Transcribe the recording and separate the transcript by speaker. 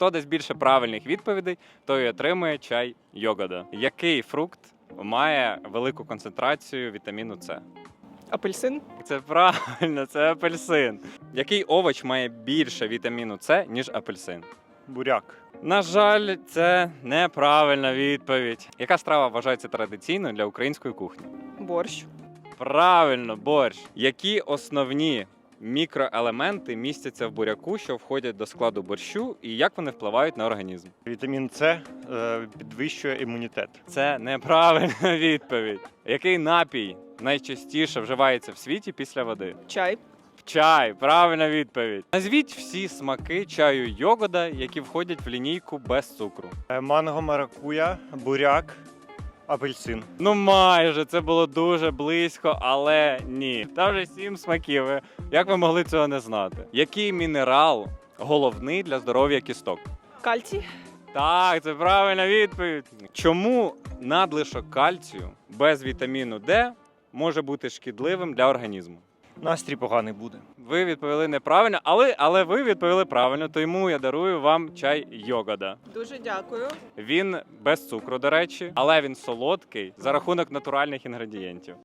Speaker 1: Хто дасть більше правильних відповідей, той отримує чай Йогода. Який фрукт має велику концентрацію вітаміну С?
Speaker 2: Апельсин?
Speaker 1: Це правильно, це апельсин. Який овоч має більше вітаміну С, ніж апельсин?
Speaker 3: Буряк.
Speaker 1: На жаль, це неправильна відповідь. Яка страва вважається традиційною для української кухні?
Speaker 2: Борщ.
Speaker 1: Правильно, борщ. Які основні мікроелементи містяться в буряку, що входять до складу борщу, і як вони впливають на організм?
Speaker 3: Вітамін С підвищує імунітет.
Speaker 1: Це неправильна відповідь. Який напій найчастіше вживається в світі після води?
Speaker 2: Чай.
Speaker 1: Чай, правильна відповідь. Назвіть всі смаки чаю Йогода, які входять в лінійку без цукру.
Speaker 3: Манго, маракуя, буряк, апельсин.
Speaker 1: Ну майже, це було дуже близько, але ні. Там вже 7 смаків. Як ви могли цього не знати? Який мінерал головний для здоров'я кісток?
Speaker 2: Кальцій.
Speaker 1: Так, це правильна відповідь. Чому надлишок кальцію без вітаміну Д може бути шкідливим для організму?
Speaker 3: Настрій поганий буде.
Speaker 1: Ви відповіли неправильно, але ви відповіли правильно, тому я дарую вам чай Йогода.
Speaker 2: Дуже дякую.
Speaker 1: Він без цукру, до речі, але він солодкий за рахунок натуральних інгредієнтів.